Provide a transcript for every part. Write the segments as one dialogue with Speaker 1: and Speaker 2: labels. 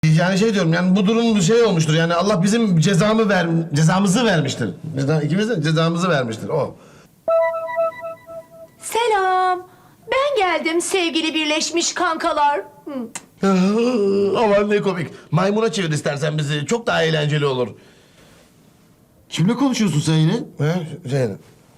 Speaker 1: Yani şey diyorum yani bu durum bir şey olmuştur. Yani Allah bizim cezamızı vermiştir. İkimiz de cezamızı vermiştir o.
Speaker 2: Selam. Ben geldim sevgili birleşmiş kankalar.
Speaker 1: Aman ne komik. Maymuna çevir istersen bizi. Çok daha eğlenceli olur.
Speaker 3: Kimle konuşuyorsun sen yine?
Speaker 1: He? Zeynep.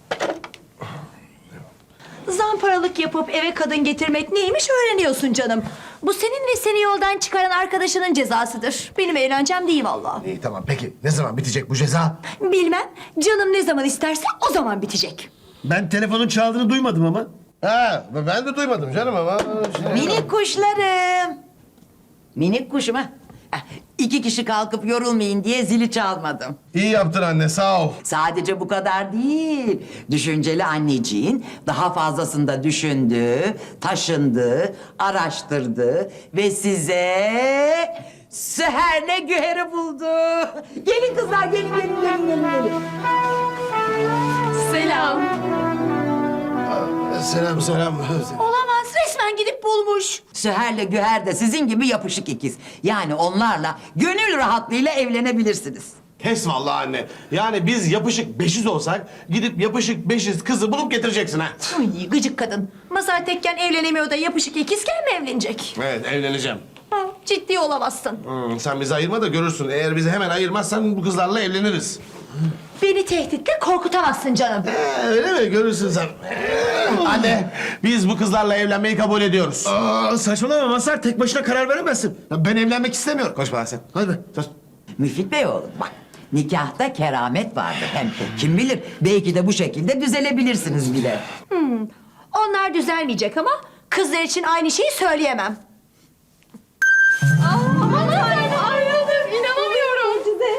Speaker 2: Zamparalık yapıp eve kadın getirmek neymiş öğreniyorsun canım. Bu senin ve seni yoldan çıkaran arkadaşının cezasıdır. Benim eğlencem değil vallahi.
Speaker 1: İyi tamam peki. Ne zaman bitecek bu ceza?
Speaker 2: Bilmem. Canım ne zaman isterse o zaman bitecek.
Speaker 3: Ben telefonun çaldığını duymadım ama.
Speaker 1: Ha, ben de duymadım canım ama.
Speaker 4: Minik kuşlarım. Minik kuşum ha. İki kişi kalkıp yorulmayın diye zili çalmadım.
Speaker 1: İyi yaptın anne sağ ol.
Speaker 4: Sadece bu kadar değil. Düşünceli anneciğin daha fazlasını da düşündü, taşındı, araştırdı ve size Seher'le Güher'i buldu. Gelin kızlar, gelin.
Speaker 2: Selam.
Speaker 1: Selam.
Speaker 2: Olamaz resmen gidip bulmuş.
Speaker 4: Seher'le Güher de sizin gibi yapışık ikiz. Yani onlarla gönül rahatlığıyla evlenebilirsiniz.
Speaker 1: Pes vallahi anne. Yani biz yapışık beşiz olsak gidip yapışık beşiz kızı bulup getireceksin ha.
Speaker 2: Uy, gıcık kadın. Masar tekken evlenemiyor da yapışık ikizken mi evlenecek?
Speaker 1: Evet evleneceğim.
Speaker 2: Ha, ciddi olamazsın.
Speaker 1: Sen bizi ayırma da görürsün. Eğer bizi hemen ayırmazsan bu kızlarla evleniriz.
Speaker 2: Beni tehditle korkutamazsın canım.
Speaker 1: Öyle mi? Görürsün sen. Anne, biz bu kızlarla evlenmeyi kabul ediyoruz.
Speaker 3: Aa, saçmalama Mazhar, tek başına karar veremezsin.
Speaker 1: Ya ben evlenmek istemiyorum. Konuşma lan sen. Hadi be. Sus.
Speaker 4: Müfit Bey oğlum bak. Nikahta keramet vardır hem. Kim bilir belki de bu şekilde düzelebilirsiniz bile.
Speaker 2: Onlar düzelmeyecek ama kızlar için aynı şeyi söyleyemem. Aman ayrıldım inanamıyorum size.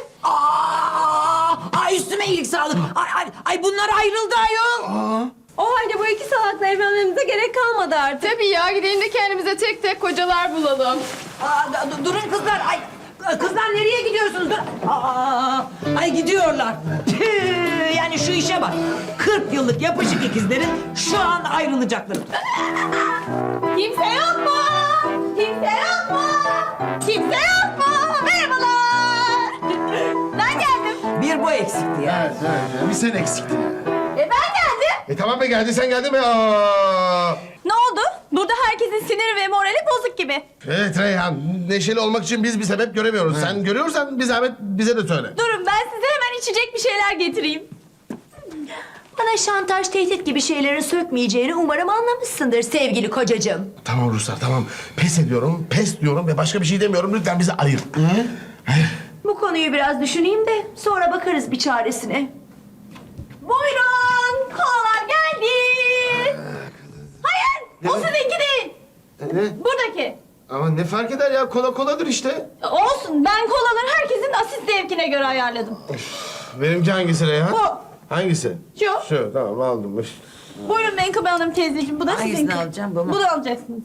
Speaker 4: Ay üstüme iyilik sağlık. Ay bunlar ayrıldı ayol.
Speaker 5: O halde bu iki salakla evlenmemize gerek kalmadı artık.
Speaker 6: Tabii ya gidelim de kendimize tek tek kocalar bulalım.
Speaker 4: Durun kızlar. Ay kızlar nereye gidiyorsunuz? Ay gidiyorlar. Tüh, yani şu işe bak. 40 yıllık yapışık ikizlerin şu an ayrılacakları.
Speaker 5: Kimse yok mu? Kimse yok mu? Kimse yok mu? Merhabalar. Ben geldim.
Speaker 4: Bir bu eksikti ya.
Speaker 1: Evet. Bir sen eksiktin.
Speaker 5: Ben geldim.
Speaker 1: Tamam be geldi sen geldin mi? Aa!
Speaker 5: Ne oldu? Burada herkesin siniri ve morali bozuk gibi.
Speaker 1: Evet Reyhan, neşeli olmak için biz bir sebep göremiyoruz. Sen görüyorsan bir zahmet bize de söyle.
Speaker 5: Durun ben size hemen içecek bir şeyler getireyim.
Speaker 2: Bana şantaj, tehdit gibi şeylerin sökmeyeceğini umarım anlamışsındır sevgili kocacığım.
Speaker 1: Tamam Ruslar tamam. Pes ediyorum, pes diyorum ve başka bir şey demiyorum. Lütfen bizi ayır. Hayır.
Speaker 2: Bu konuyu biraz düşüneyim de sonra bakarız bir çaresine.
Speaker 5: Buyurun. Kolalar geldi. Hayır. O sizinki değil.
Speaker 1: Ne?
Speaker 5: Buradaki.
Speaker 1: Ama ne fark eder ya? Kola koladır işte.
Speaker 5: Olsun. Ben kolaları herkesin asist zevkine göre ayarladım.
Speaker 1: Benimki hangisi Reyhan?
Speaker 5: Bu.
Speaker 1: Hangisi?
Speaker 5: Şu.
Speaker 1: Şu tamam aldım.
Speaker 5: Buyurun Menkıbe Hanım teyzeciğim. Bu da
Speaker 4: Hangisini
Speaker 5: sizinki.
Speaker 4: alacağım, bu mu?
Speaker 5: Bu da alacaksınız.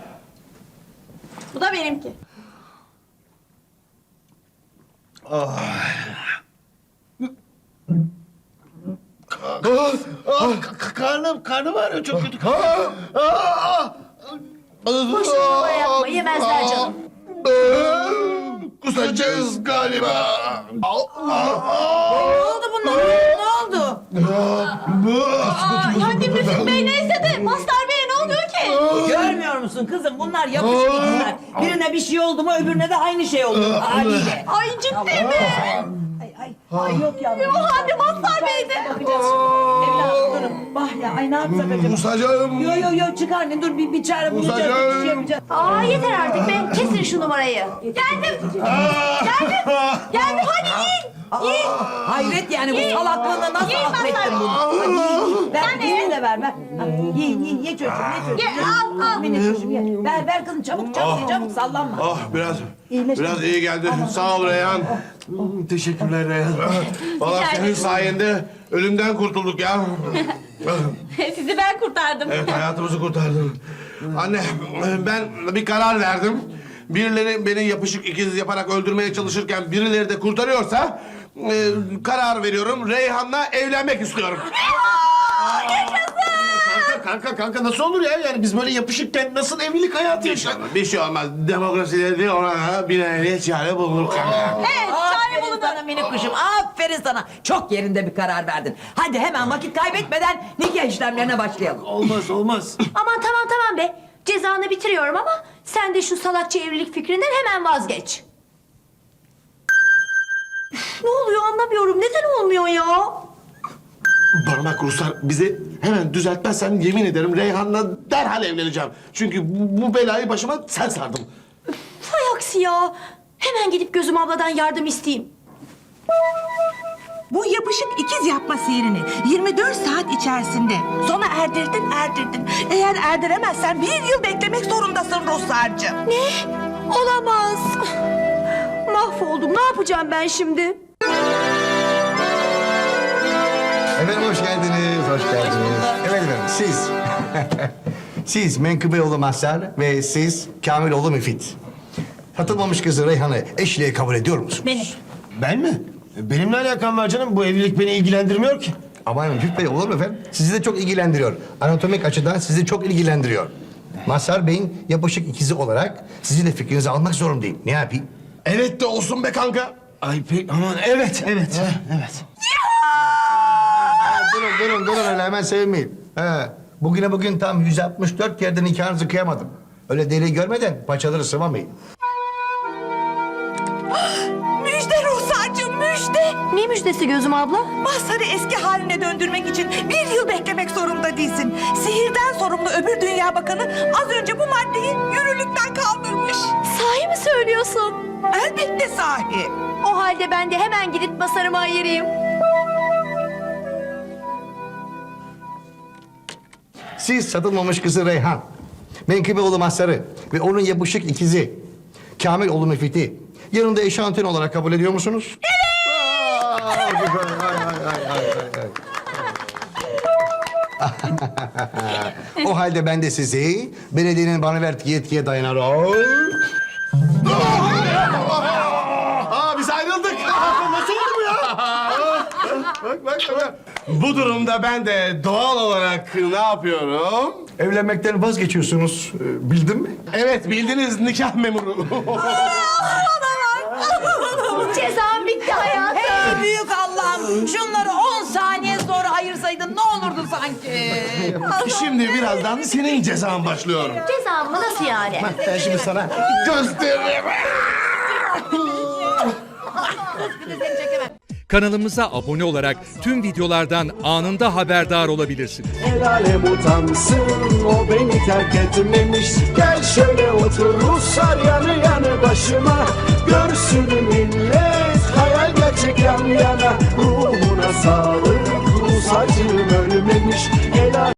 Speaker 5: Bu da benimki.
Speaker 3: Karnım ağrıyor çok kötü.
Speaker 2: Boşuna numara yapma, yemezler canım.
Speaker 1: Kusacağız galiba.
Speaker 4: Ne oldu bunlara? Ne oldu?
Speaker 5: Yani Müfit Bey neyse de Mazhar Bey'e ne oluyor ki?
Speaker 4: Görmüyor musun kızım? Bunlar yapışık ikizler. Birine bir şey oldu mu öbürüne de aynı şey oluyor haliyle.
Speaker 5: Ay ciddi mi?
Speaker 4: Ay yok yavrum.
Speaker 5: O halde Mazhar Bey'de.
Speaker 4: Evladım durun. Bah ya ay ne yapsak acaba?
Speaker 1: Musacağım.
Speaker 4: Yo çık anne dur bir çare bulacağız. Bir şey yapacağız.
Speaker 2: Aa yeter artık be. Kesin şu numarayı.
Speaker 5: Geldim. Geldim hadi yiyin.
Speaker 4: Hayret yani bu salaklığına nasıl
Speaker 5: Yiyin
Speaker 4: affettin
Speaker 5: Mazhar.
Speaker 4: bunu? Hadi yiyin. Ver
Speaker 5: Sen de
Speaker 4: birini
Speaker 5: ye.
Speaker 4: de ver. Ye çocuğum ye çocuğum.
Speaker 5: Ye, al.
Speaker 4: Minik çocuğum ye. Ver kızım çabuk ye çabuk sallanma.
Speaker 1: Ah biraz iyi geldi. Sağ ol Reyhan.
Speaker 3: Teşekkürler Reyhan.
Speaker 1: Vallahi
Speaker 5: Rica
Speaker 1: senin
Speaker 5: ederim.
Speaker 1: sayende ölümden kurtulduk ya.
Speaker 5: Sizi ben kurtardım.
Speaker 1: Evet hayatımızı kurtardın. Anne ben bir karar verdim. Birileri beni yapışık ikiz yaparak öldürmeye çalışırken birileri de kurtarıyorsa karar veriyorum. Reyhan'la evlenmek istiyorum.
Speaker 5: Yaşasın.
Speaker 3: Kanka nasıl olur ya? Yani biz böyle yapışıkken nasıl evlilik hayatı yaşadık?
Speaker 1: Bir şey olmaz. Demokrasileri ona bir neyle çare bulunur kanka.
Speaker 4: Evet, çare bulun sana minik kuşum. Aferin sana. Çok yerinde bir karar verdin. Hadi hemen vakit kaybetmeden nikah işlemlerine başlayalım.
Speaker 3: Olmaz.
Speaker 2: Aman tamam be. Cezanı bitiriyorum ama sen de şu salakça evlilik fikrinden hemen vazgeç. Üf, ne oluyor anlamıyorum. Neden olmuyor ya?
Speaker 1: Bana bak Ruslar, bizi hemen düzeltmezsen yemin ederim Reyhan'la derhal evleneceğim. Çünkü bu belayı başıma sen sardın.
Speaker 2: Vay aksi ya. Hemen gidip Gözüm abladan yardım isteyeyim.
Speaker 7: Bu yapışık ikiz yapma sihrini 24 saat içerisinde sona erdirdin. Eğer erdiremezsen 1 yıl beklemek zorundasın Ruhsar'cığım.
Speaker 2: Ne? Olamaz. Mahvoldum. Ne yapacağım ben şimdi?
Speaker 8: Efendim hoş geldiniz. Evet efendim siz. Siz Menkıbeoğlu Mazhar ve siz Kamiloğlu Müfit. Satılmamış kızı Reyhan'ı eşliğe kabul ediyor musunuz?
Speaker 2: Beni.
Speaker 3: Ben mi? Benimle alakam var canım. Bu evlilik beni ilgilendirmiyor ki.
Speaker 8: Aman Müfit Bey olur mu efendim? Sizi de çok ilgilendiriyor. Anatomik açıdan sizi çok ilgilendiriyor. Mazhar Bey'in yapışık ikizi olarak sizin de fikrinizi almak zorundayım. Ne yapayım?
Speaker 1: Evet de olsun be kanka.
Speaker 3: Ay pek aman evet.
Speaker 8: Durun öyle hemen sevinmeyin. Bugün tam 164 kere de nikahınızı kıyamadım. Öyle deli görmeden paçaları sıvamayın.
Speaker 7: Müjde Ruhsar'cığım müjde.
Speaker 2: Ne müjdesi Gözüm abla?
Speaker 7: Mazhar'ı eski haline döndürmek için 1 yıl beklemek zorunda değilsin. Sihirden sorumlu öbür dünya bakanı az önce bu maddeyi yürürlükten kaldırmış.
Speaker 2: Sahi mi söylüyorsun?
Speaker 7: Elbette sahi.
Speaker 2: O halde ben de hemen gidip basarımı ayırayım.
Speaker 8: Siz satılmamış kızı Reyhan, Menkıbeoğlu Mazhar'ı ve onun yapışık ikizi Kamiloğlu Müfit'i yanında eşantiyon olarak kabul ediyor musunuz? O halde ben de sizi belediyenin bana verdiği yetkiye dayanarak...
Speaker 1: Biz ayrıldık. Nasıl oldu bu ya? Bak. Bu durumda ben de doğal olarak ne yapıyorum?
Speaker 8: Evlenmekten vazgeçiyorsunuz, bildin mi?
Speaker 1: Evet, bildiniz, nikah memuru.
Speaker 2: Cezam bitti hayatım.
Speaker 4: Ey büyük Allah'ım. Şunları 10 saniye sonra ayırsaydın ne olurdu sanki?
Speaker 1: Şimdi birazdan senin cezan başlıyor.
Speaker 2: Cezam mı nasıl yani?
Speaker 1: Ben şimdi sana gösteririm.
Speaker 9: Kanalımıza abone olarak tüm videolardan anında haberdar olabilirsiniz.
Speaker 10: El alem utansın, o beni terk etmemiş. Gel şöyle otur Ruslar yanı yanı başıma. Görsün millet hayal gerçek yan yana. Ruhuna sağlık, Rus acım ölmemiş.